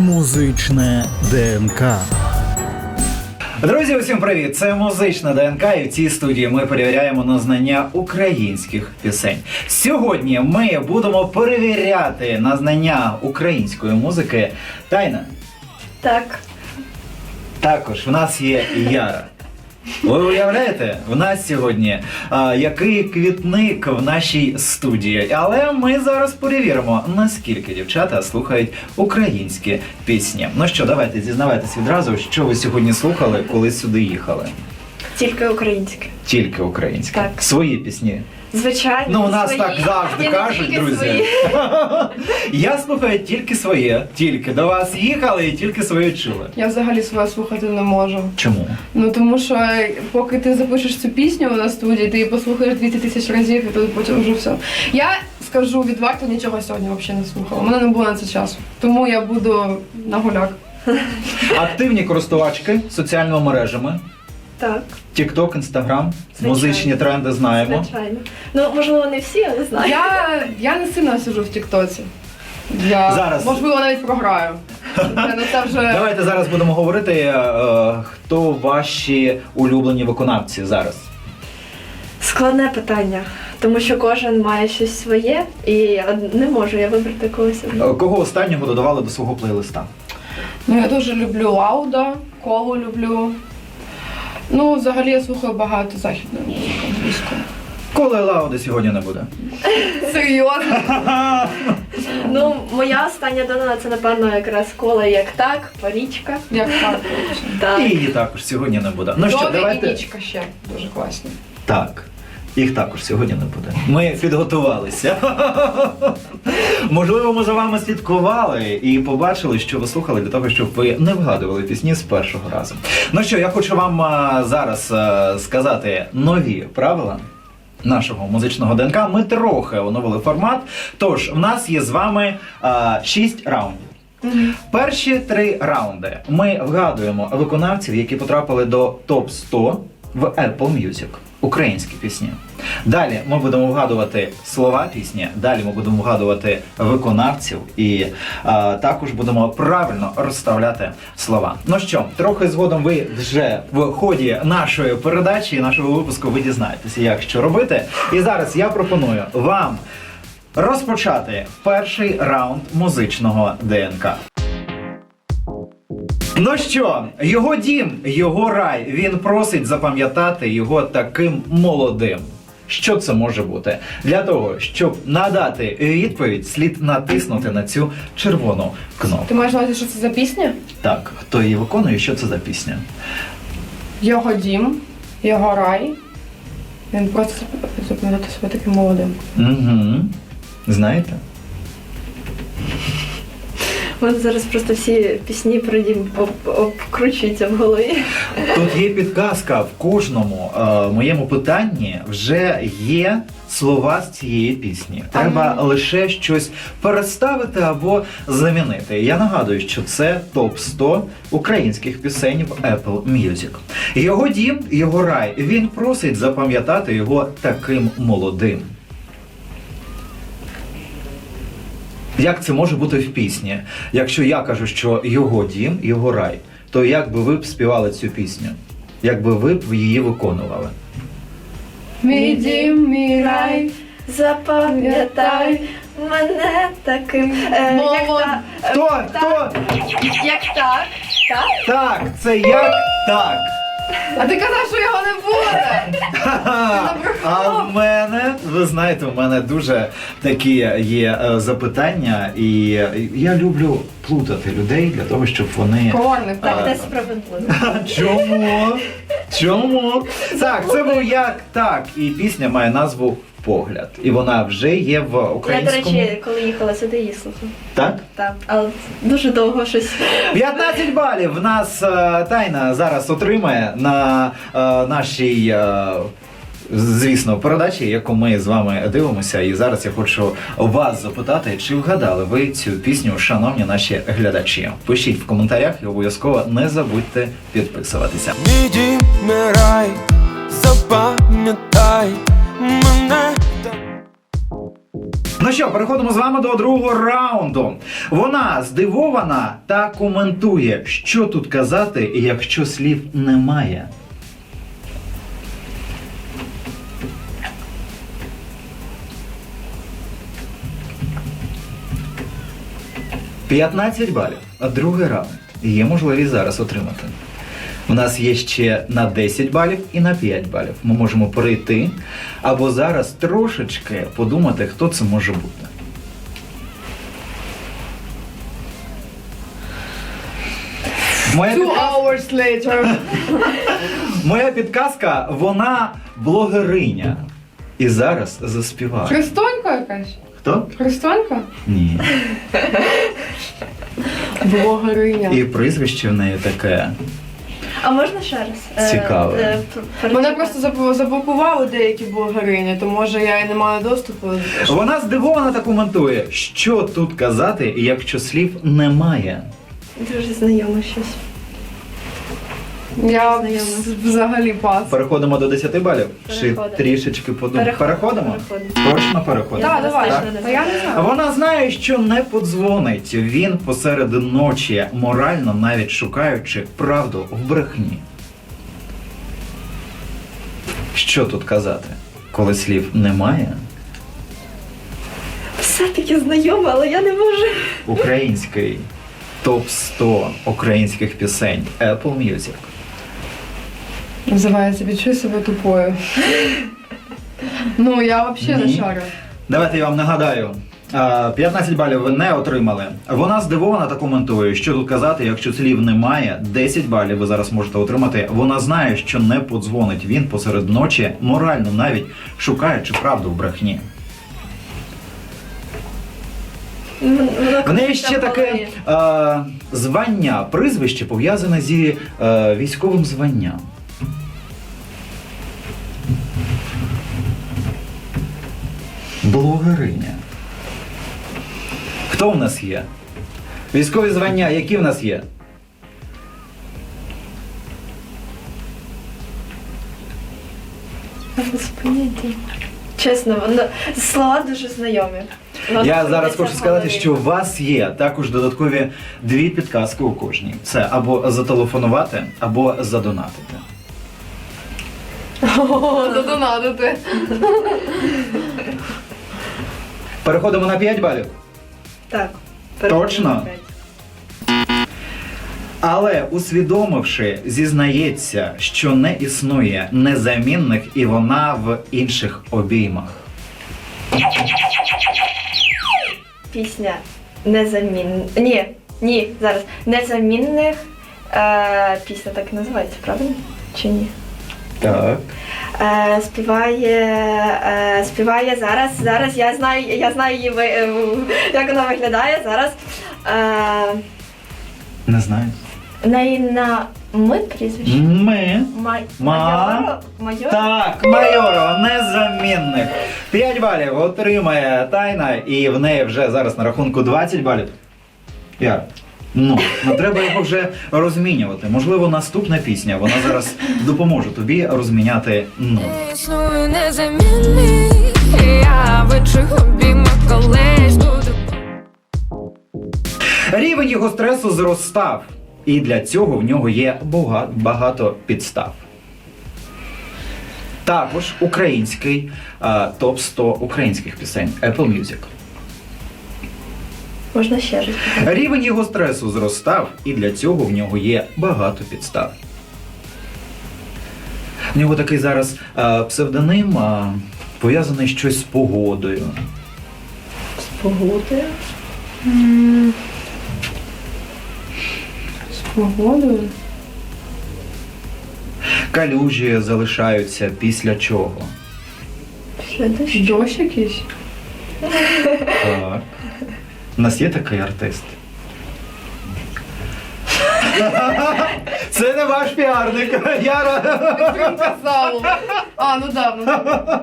Музичне ДНК. Друзі, усім привіт! Це Музичне ДНК, і в цій студії ми перевіряємо на знання українських пісень. Сьогодні ми будемо перевіряти на знання української музики. Тайна? Так. Також в нас є Яра. Ви уявляєте, в нас сьогодні який квітник в нашій студії. Але ми зараз перевіримо, наскільки дівчата слухають українські пісні. Ну що, давайте зізнавайтесь відразу, що ви сьогодні слухали, коли сюди їхали. Тільки українське. Тільки українське. Так. Свої пісні. Звичайно. Ну, у нас свої. так завжди І не кажуть, тільки друзі. свої. Я слухаю тільки своє, тільки. До вас їхали і тільки своє чули. Я взагалі своє слухати не можу. Чому? Ну тому що поки ти запишеш цю пісню на студії, ти її послухаєш 200 тисяч разів і тут потім вже все. Я скажу відверто, нічого сьогодні взагалі не слухала. У мене не було на це часу. Тому я буду на гуляк. Активні користувачки соціальними мережами. Так, TikTok, Instagram, Звичайно. музичні тренди знаємо. звичайно. Ну, можливо, не всі, але знаю. Я не сильно сиджу в Тіктоці. Зараз. Можливо, навіть програю. Це вже... Давайте зараз будемо говорити, хто ваші улюблені виконавці зараз. Складне питання, тому що кожен має щось своє, і не можу я вибрати когось. Кого останнього додавали до свого плейлиста? Ну, я дуже люблю Лауда, Колу люблю. Ну, взагалі я слухаю багато західної музики англійської. Коли Лауди сьогодні не буде. Серйозно? Ну, моя остання донана це, напевно, якраз Кола як так, Парічка. Як так. Так. І її також сьогодні не буде. Ну що, Добі і давайте. Нічка ще дуже класні. Так. Їх також сьогодні не буде. Ми підготувалися. Можливо, ми за вами слідкували і побачили, що ви слухали для того, щоб ви не вгадували пісні з першого разу. Ну що, я хочу вам зараз сказати нові правила нашого музичного ДНК. Ми трохи оновили формат. Тож, в нас є з вами 6 раундів. Перші 3 раунди ми вгадуємо виконавців, які потрапили до топ-100 в Apple Music. Українські пісні. Далі ми будемо вгадувати слова пісні, далі ми будемо вгадувати виконавців і також будемо правильно розставляти слова. Ну що, трохи згодом ви вже в ході нашої передачі, нашого випуску ви дізнаєтеся, як що робити. І зараз я пропоную вам розпочати перший раунд музичного ДНК. Ну що, його дім, його рай, він просить запам'ятати його таким молодим. Що це може бути? Для того, щоб надати відповідь, слід натиснути на цю червону кнопку. Ти маєш на увазі, що це за пісня? Так, хто її виконує, що це за пісня? Його дім, його рай. Він просто запам'ятати себе таким молодим. Угу. Знаєте? У мене зараз просто всі пісні про дім обкручуються в голові. Тут є підказка, в кожному моєму питанні вже є слова з цієї пісні. Треба лише щось переставити або замінити. Я нагадую, що це топ-100 українських пісень в Apple Music. Його дім, його рай, він просить запам'ятати його таким молодим. Як це може бути в пісні? Якщо я кажу, що його дім, його рай, то як би ви б співали цю пісню? Як би ви б її виконували? Мій дім, мій рай. Запам'ятай мене таким. Як так? Хто? Хто? Як так? Так? Так, це як так. А ти казав, що його не буде! А в мене, ви знаєте, в мене дуже такі є запитання, і я люблю плутати людей для того, щоб вони... Корник. Так, це справедливо. Чому? Чому? Так, це був як так, і пісня має назву «Погляд». І вона вже є в Я, до українському... речі, коли їхала сюди, її слухала. Так? Так, але дуже довго щось. 15 балів в нас Тайна зараз отримає на нашій, звісно, передачі, яку ми з вами дивимося. І зараз я хочу вас запитати, чи вгадали ви цю пісню, шановні наші глядачі? Пишіть в коментарях і обов'язково не забудьте підписуватися. Мій дім, мій рай, запам'ятай мене. Ну що, переходимо з вами до другого раунду. Вона здивована та коментує, що тут казати, якщо слів немає. «15 балів. Другий раунд. Є можливість зараз отримати. У нас є ще на 10 балів і на 5 балів. Ми можемо перейти або зараз трошечки подумати, хто це може бути. Two hours later. Моя підказка, вона блогериня. І зараз заспіває. Христонька якась? Хто? Христонька? Ні. Блогериня. І прізвище в неї таке. А можна ще раз? Цікаво. Мене просто заблокували деякі блогерині, то може я і не маю доступу. Вона здивована та коментує, що тут казати, якщо слів немає. Дуже знайоме щось. Я Знайомо. взагалі пас. Переходимо до 10 балів? Чи Переходимо. трішечки подумаємо? Переходимо? Переходимо. Точно переходимо? Так, давай. Так. Та я не знаю. Вона знає, що не подзвонить. Він посеред ночі, морально навіть шукаючи правду в брехні. Що тут казати, коли слів немає? Все-таки знайоме, але я не можу. Український топ-100 українських пісень Apple Music. Називається «Відчуй себе тупою». Ну, я взагалі Ні. не шарю. Давайте я вам нагадаю. 15 балів ви не отримали. Вона здивована та коментує, що тут казати, якщо слів немає. 10 балів ви зараз можете отримати. Вона знає, що не подзвонить він посеред ночі, морально навіть шукаючи правду в брехні. В неї ще таке звання, прізвище пов'язане зі військовим званням. Блогериня. Хто в нас є? Військові звання, які в нас є? Без поняття. Чесно, слова дуже знайомі. Я зараз хочу сказати, що у вас є також додаткові 2 підказки у кожній. Це або зателефонувати, або задонатити. О, задонатити. Переходимо на 5 балів. Так. Точно? Але усвідомивши, зізнається, що не існує незамінних і вона в інших обіймах. Пісня незамінних. Ні, зараз. Незамінних. Пісня так і називається, правильно? Чи ні? Так. Співає зараз. Я знаю її, як вона виглядає зараз. Не знаю. В неї на ми прізвище? Майоро? Так, Майорова, незамінних. 5 балів отримає Тайна, і в неї вже зараз на рахунку 20 балів. Яр, ну треба його вже розмінювати. Можливо, наступна пісня, вона зараз допоможе тобі розміняти нуль. Існую незамінний, я в інших обіймах колись буду. Рівень його стресу зростав, і для цього в нього є багато підстав. Також український топ-100 українських пісень Apple Music. Можна ще раз. Рівень його стресу зростав, і для цього в нього є багато підстав. В нього такий зараз псевдоним, пов'язаний щось з погодою. З погодою? З погодою? Калюжі залишаються після чого? Після дощу. Дощ якийсь? Так. У нас є такий артист. Це не ваш піарник. Підтримка залу. Ну да.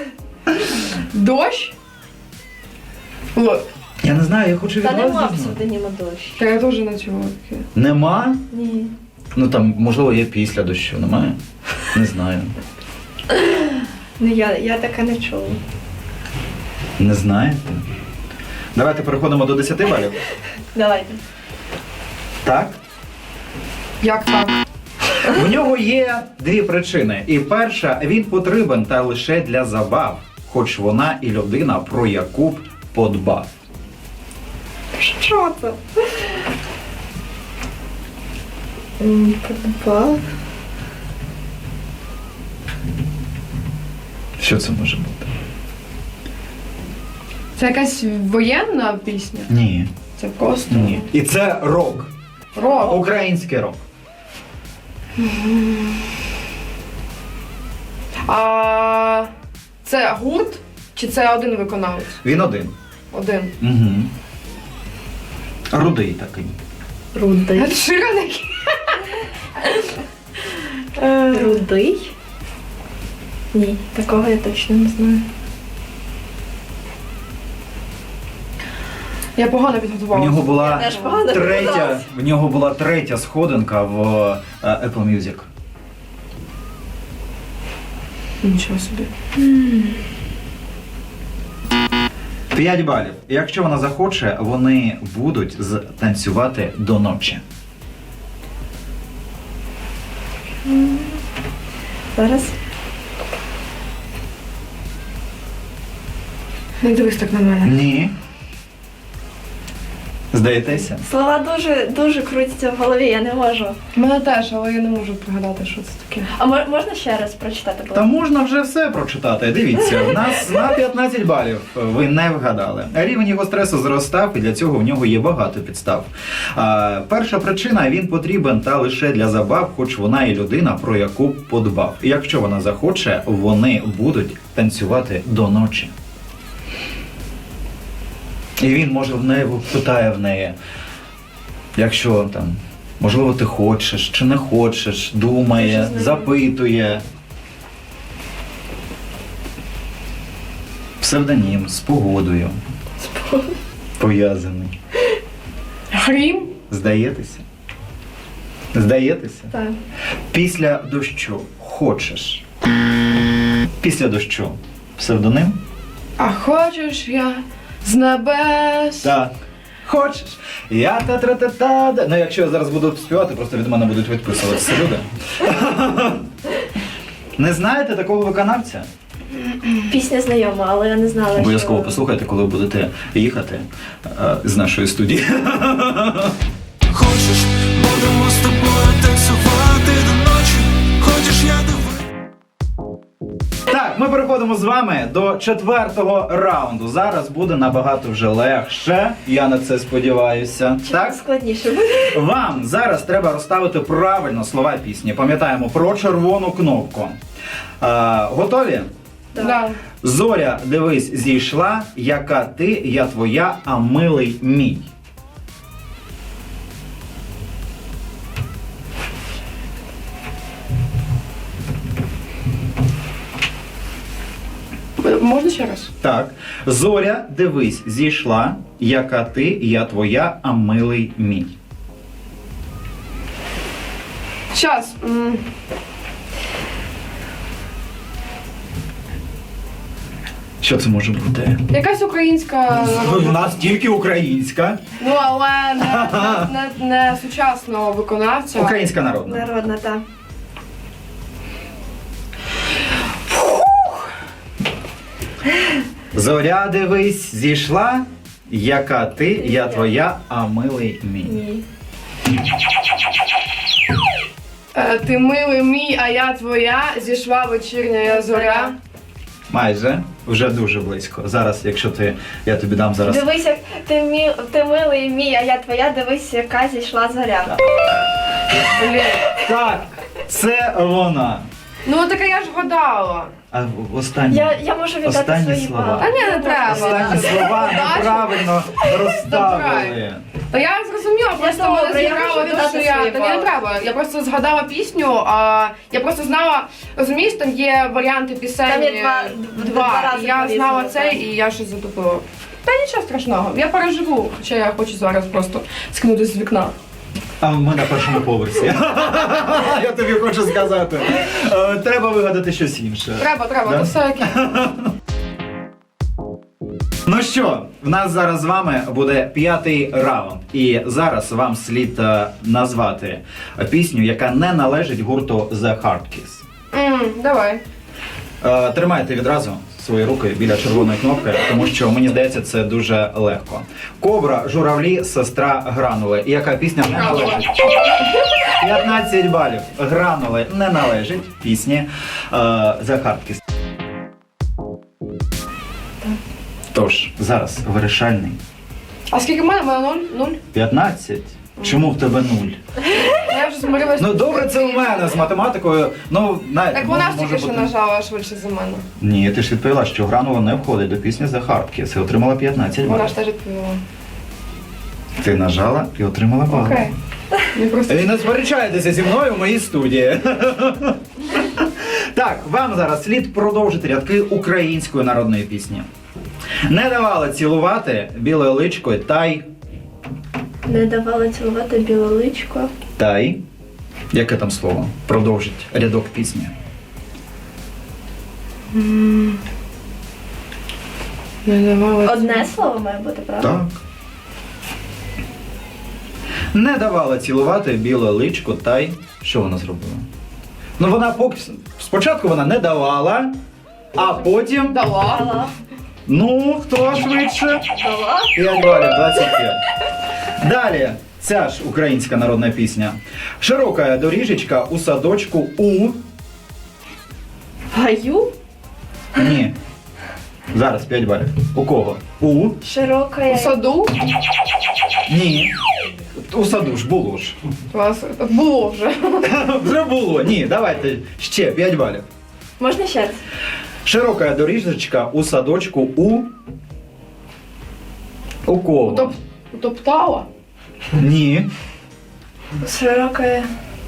Дощ? От. Я не знаю, я хочу від Та вас нема дізнатися. псевдоніма дощ. Та я теж не чула таке. Нема? Ні. Ну там, можливо, є після дощу, немає? Не знаю. Ну я таке не чула. Не знаєте? Давайте переходимо до 10 балів. Давайте. Так? Як так? У нього є дві причини. І перша, він потрібен та лише для забав, хоч вона і людина, про яку б подбав. Що це? Подбав. Що це може бути? Це якась воєнна пісня? Ні. Це просто Ні. І це рок. рок. Український рок. А це гурт чи це один виконавець? Він один. Один. Угу. Рудий такий. Рудий. Ед Ширан який? Рудий? Ні, такого я точно не знаю. Я погано В підготувалася. нього була Я теж погано третя, підготувалась. в нього була третя сходинка в Apple Music. Нічого собі. 5 балів. Якщо вона захоче, вони будуть танцювати до ночі. Зараз. Не дивись так на мене. Ні. Здаєтеся? Слова дуже крутяться в голові, я не можу. Мене теж, але я не можу пригадати, що це таке. А можна ще раз прочитати? будь Та ласка? можна вже все прочитати. Дивіться, в нас на 15 балів ви не вгадали. Рівень його стресу зростав, і для цього в нього є багато підстав. Перша причина, він потрібен та лише для забав, хоч вона і людина, про яку б подбав. І якщо вона захоче, вони будуть танцювати до ночі. І він може в неї питає в неї, якщо там, можливо, ти хочеш чи не хочеш, думає, запитує. Псевдонім з погодою. Пов'язаний. Грім? Здаєтеся? Здаєтеся? Так. Після дощу хочеш. Після дощу. Псевдоним? А хочеш я з небес? Так. Хочеш? Я та-тра-та-та. Ну, якщо я зараз буду співати, просто від мене будуть відписуватися люди. Не знаєте такого виконавця? Пісня знайома, але я не знала, Обов'язково що... послухайте, коли ви будете їхати з нашої студії. Хочеш, будемо з тобою танцювати до ночі. Хочеш, я диви. Так, ми переходимо з вами до 4-го раунду. Зараз буде набагато вже легше, я на це сподіваюся. Так? Складніше буде. Вам зараз треба розставити правильно слова пісні. Пам'ятаємо про червону кнопку. Готові? Да. Зоря, дивись, зійшла, яка ти, я твоя, а милий мій. Можна ще раз? Так. Зоря, дивись, зійшла, яка ти, я твоя, а милий мій. Щас. Що це може бути? Якась українська, У нас тільки українська. ну але не сучасного виконавця. Українська народна. Народна, так. Зоря, дивись, зійшла, яка ти, я твоя, а милий мій. Ні. Ти милий мій, а я твоя, зійшла вечірня я зоря. Майже. Вже дуже близько. Зараз, якщо я тобі дам зараз. Дивись, як ти милий мій, а я твоя, дивись, яка зійшла зоря. Блін. Так, це вона. Ну таке я ж гадала. А останні, Я можу віддати останні свої слова. бали. А ні, не треба. Останні слова неправильно розставили. Забирай. Та я зрозуміла, просто добре, мене я зіграло можу те, що віддати я. свої Та ні, не бали. треба. Я просто згадала пісню, а я просто знала, розумієш, там є варіанти пісень. Там є два рази І я по-різному, знала так. цей, і я щось затупила. Та нічого страшного, я переживу, хоча я хочу зараз просто скинутися з вікна. А ми на першому поверсі. Я тобі хочу сказати. Треба вигадати щось інше. Треба, Да? то все окей. Ну що, в нас зараз з вами буде 5-й раунд. І зараз вам слід назвати пісню, яка не належить гурту The Hard Kiss. Давай. Тримайте відразу свої руки біля червоної кнопки, тому що, мені здається, це дуже легко. Кобра, журавлі, сестра, гранули. І яка пісня не належить? 15 балів. Гранули не належить пісні The Hard Kiss. Тож, зараз вирішальний. А скільки в мене? У мене 0? 15? Чому в тебе 0? Я вже змирилась. Ну добре, це у мене з математикою. Ну, Так вона ж може тільки що бути- нажала швидше за мене. Ні, ти ж відповіла, що гранула не входить до пісні The Hard Kiss і отримала 15 Вона балів. ж теж відповіла. Ти нажала і отримала бал. Окей. Не просто. І не сперечайтеся зі мною в моїй студії. Так, вам зараз слід продовжити рядки української народної пісні. Не давала цілувати білою личкою Не давала цілувати біле личко. Тай. Яке там слово? Продовжить рядок пісні. Не давала. Одне слово має бути, правда? Так. Не давала цілувати біле личко, що вона зробила? Ну вона спочатку вона не давала, а потім. Дала. Дала. Ну, хто швидше? Дала. 5 балів, 25. Далі. Ця ж українська народна пісня. Широка доріжечка у садочку у. Гаю. Ні. Зараз 5 балів. У кого? У. Широка. У саду. Ні. У саду ж було ж. У вас було вже. Вже було. Ні, давайте ще 5 балів. Можна ще раз? Широка доріжечка у садочку у. У кого? Утоптала. Ні. Широка.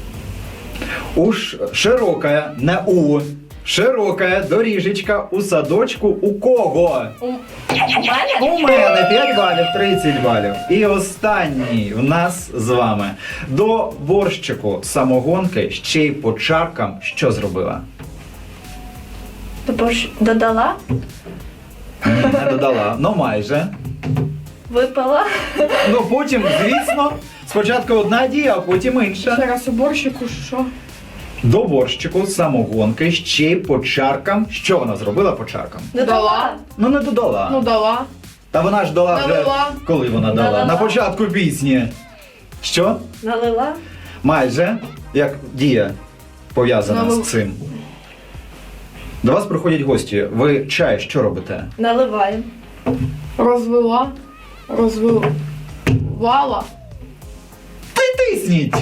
Широка, не у. Широка доріжечка у садочку у кого? У мене? У мене 5 балів, 30 балів. І останній в нас з вами. До борщику самогонки ще й по чаркам що зробила? Додала. Не додала, ну майже. Випила. Ну потім, звісно, спочатку одна дія, а потім інша. Ще раз уборщику, що? До борщику самогонки ще й по чаркам. Що вона зробила по чаркам? Додала. Ну не додала. Ну дала. Та вона ж дала вже. Налила. Коли вона дала? Налила. На початку пісні. Що? Налила. Майже. Як дія пов'язана Налила. з цим. До вас приходять гості. Ви чай що робите? Наливаю. Розвела. Розвивала. Тисніть!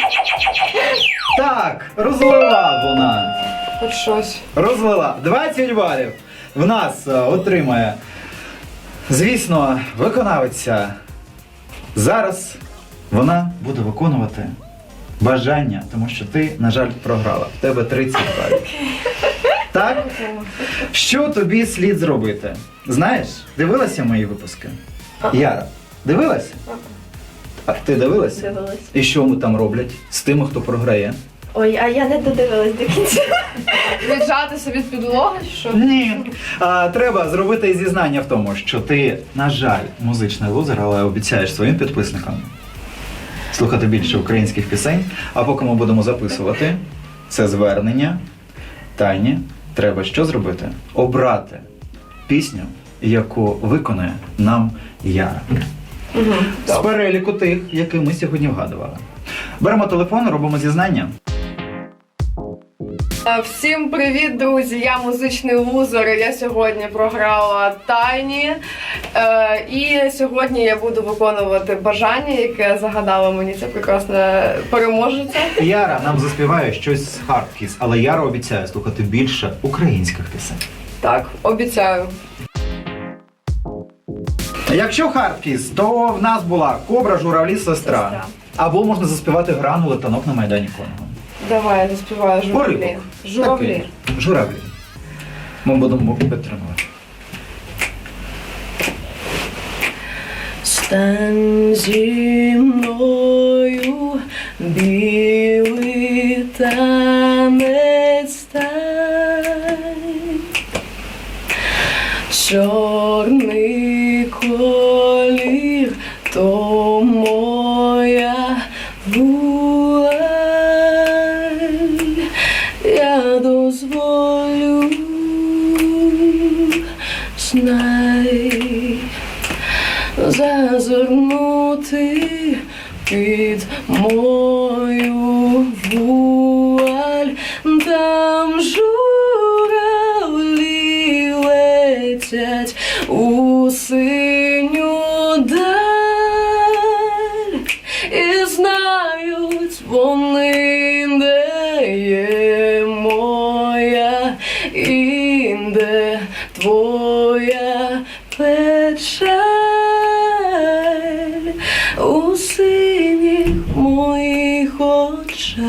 Так, розлила вона. Хоч щось. Розлила. 20 балів. В нас отримає, звісно, виконавиця. Зараз вона буде виконувати бажання, тому що ти, на жаль, програла. В тебе 30 балів. Так? Що тобі слід зробити? Знаєш, дивилася мої випуски? Яра, дивилася? А ти дивилася? Дивилась. І що ми там роблять з тими, хто програє? Ой, а я не додивилась до кінця. Віджатися від підлоги, чи що? Ні. Треба зробити зізнання в тому, що ти, на жаль, музичний лузер, але обіцяєш своїм підписникам слухати більше українських пісень. А поки ми будемо записувати це звернення, Тані треба що зробити? Обрати пісню, яку виконає нам Яра. З переліку тих, які ми сьогодні вгадували. Беремо телефон, робимо зізнання. Всім привіт, друзі! Я музичний лузер. Я сьогодні програла Тайні. І сьогодні я буду виконувати бажання, яке загадала мені ця прекрасна переможеця. Яра нам заспіває щось з Hard Kiss, але Яра обіцяє слухати більше українських пісень. Так, обіцяю. Якщо Hard Kiss, то в нас була Кобра, журавлі, сестра. Сестра. Або можна заспівати гранули танок на Майдані Конго. Давай, я заспіваю журавлі. Уривок. Журавлі. Такий. Журавлі. Ми будемо підтримувати. Стань зі мною, білий танець стань, чорний зазирнути під мою вуаль, там журавлі летять у синю даль, і знають вони, де є моя і де твоя печаль у синіх моїх очах.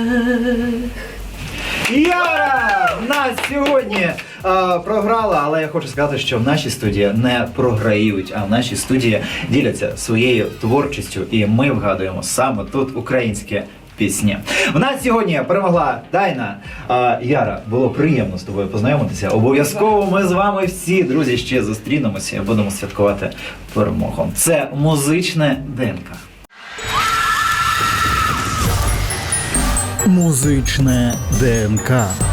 Яра нас сьогодні програла, але я хочу сказати, що в нашій студії не програють, а в нашій студії діляться своєю творчістю, і ми вгадуємо саме тут українські пісні. В нас сьогодні перемогла Дайна. Яра, було приємно з тобою познайомитися. Обов'язково ми з вами всі, друзі, ще зустрінемося і будемо святкувати перемогу. Це музичне ДНК. Музичне ДНК.